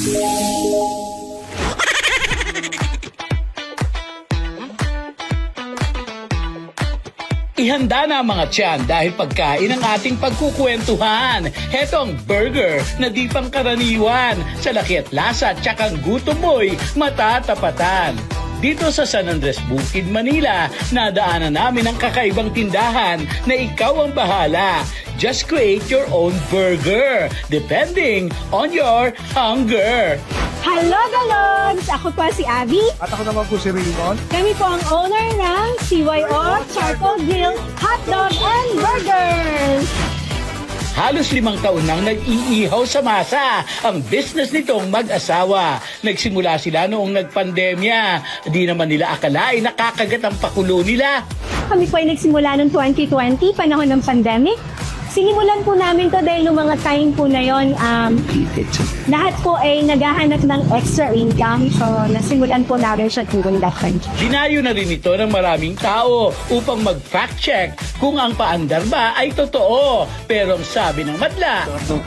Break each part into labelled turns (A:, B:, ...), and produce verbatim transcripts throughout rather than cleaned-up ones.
A: Ihanda na ang mga tiyan dahil pagkain ang ating pagkukwentuhan. Heto ang burger na di pangkaraniwan. Sa laki at lasa at tsakang gutom mo'y matatapatan. Dito sa San Andres Bukid, Manila, nadaanan namin ang kakaibang tindahan na ikaw ang bahala. Just create your own burger, depending on your hunger.
B: Hello, Galogs! Ako po si Abby.
C: At ako naman po si Raymond.
B: Kami po ang owner ng C Y O Charcoal Grill, Hotdog and Burgers.
A: Halos limang taon nang nag-iihaw sa masa ang business nitong mag-asawa. Nagsimula sila noong nagpandemya. Di naman nila akalain nakakagat ang pakulo nila.
B: Kami po ay nagsimula noong twenty twenty, panahon ng pandemic. Sinimulan po namin to dahil noong mga time po na yon, um, lahat po ay naghahanap ng extra income. So, nasimulan po namin siya during that time.
A: Dinayo na rin ito ng maraming tao upang mag-fact check kung ang paandar ba ay totoo. Pero ang sabi ng madla,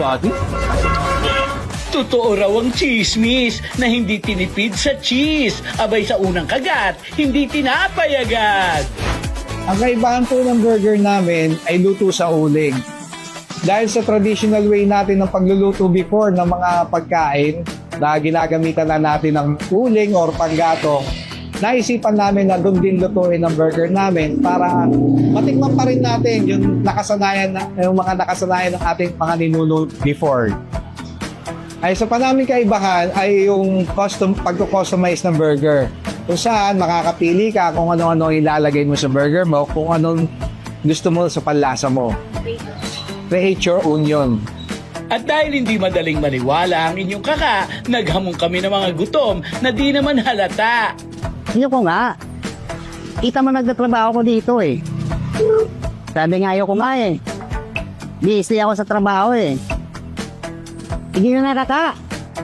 A: totoo raw ang chismis na hindi tinipid sa cheese. Abay sa unang kagat, hindi tinapay agad.
C: Ang kaibahan po ng burger namin ay luto sa uling. Dahil sa traditional way natin ng pagluluto before ng mga pagkain na ginagamitan na natin ng uling or panggatong, naisipan namin na doon din lutuin ang burger namin para matikman pa rin natin yung nakasanayan na, yung mga nakasanayan ng ating mga ninuno before. Ay sa panaming kaibahan ay yung custom pagko-customize ng burger. Kung saan makakapili ka kung ano-ano ilalagay mo sa burger mo, kung anong gusto mo sa panlasa mo. Create your own yun.
A: At dahil hindi madaling maniwala ang inyong kaka, naghamon kami ng mga gutom na di naman halata.
D: Hindi ko nga. Kita mo nagtatrabaho ko dito eh. Sabi nga ayoko nga eh. Busy ako sa trabaho eh. Hindi na nakaka.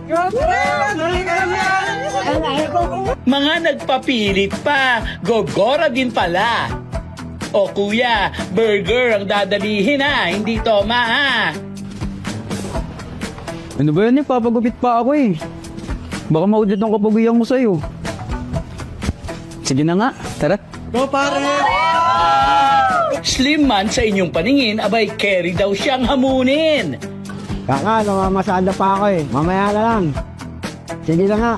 A: Mga nagpapilit pa, gogora din pala. O kuya, burger ang dadalihin ha, hindi toma ha.
E: Ano ba yan eh? Papagupit pa ako eh. Baka maudit ang kapaguyang mo sa'yo. Sige na nga, tara.
C: Go pare!
A: Slim man sa inyong paningin, abay carry daw siyang hamunin.
D: Kaka, namamasada pa ako eh. Mamaya na lang. Sige na nga.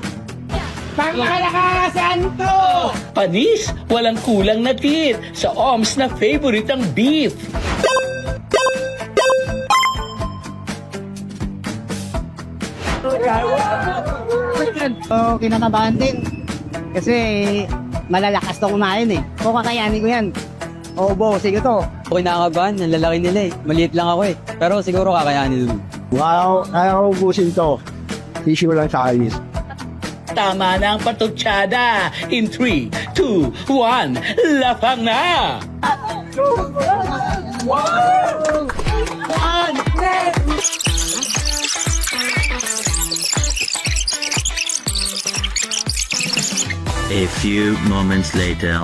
A: Panis, walang kulang na tit. Sa O M S na favorite ang beef.
D: So, kinakabahan din. Kasi malalakas to kumain eh. O kakayanin ko yan. Oo, bo, sige to.
E: Okay, nakakabahan. Ang lalaki nila eh. Maliit lang ako eh. Pero siguro kakayanin dun.
C: Wow, kaya ko ubusin to. Issue lang sa alis.
A: Tama na ang patutsada. In three, two, one, lapang na!
F: A few moments later.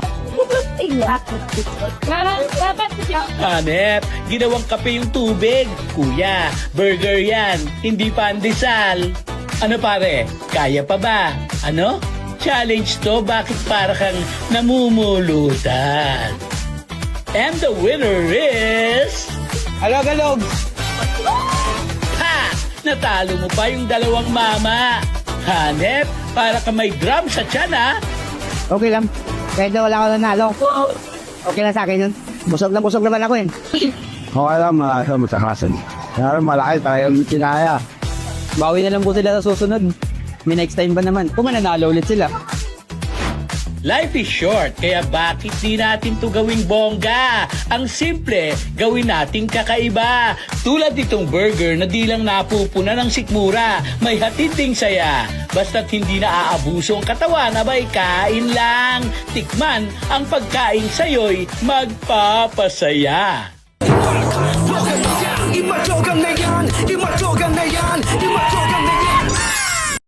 A: Hanep, ginawang kape yung tubig. Kuya, burger yan, hindi pandesal. Ano pare, kaya pa ba? Ano? Challenge to, bakit para kang namumulutan? And the winner is...
C: Alog-alog!
A: Ha! Natalo mo pa yung dalawang mama. Hanep, para ka may drum sa tiyan ha.
D: Okay lang. Kahit na wala ako nanalo. Okay lang sa akin yun. Busog na busog naman ako eh.
C: Okay lang, malasa mo sa kasan. Kaya malaki tayo yung kinaya.
E: Bawi na lang po sila sa susunod. May next time ba naman? Kung mananalo ulit sila.
A: Life is short, kaya bakit di natin to gawing bongga? Ang simple, gawin nating kakaiba. Tulad itong burger na di lang napupuna ng sikmura, may hatid ding saya. Basta't hindi na aabuso ang katawan, abay kain lang. Tikman, ang pagkain sa'yo'y magpapasaya.
G: Iba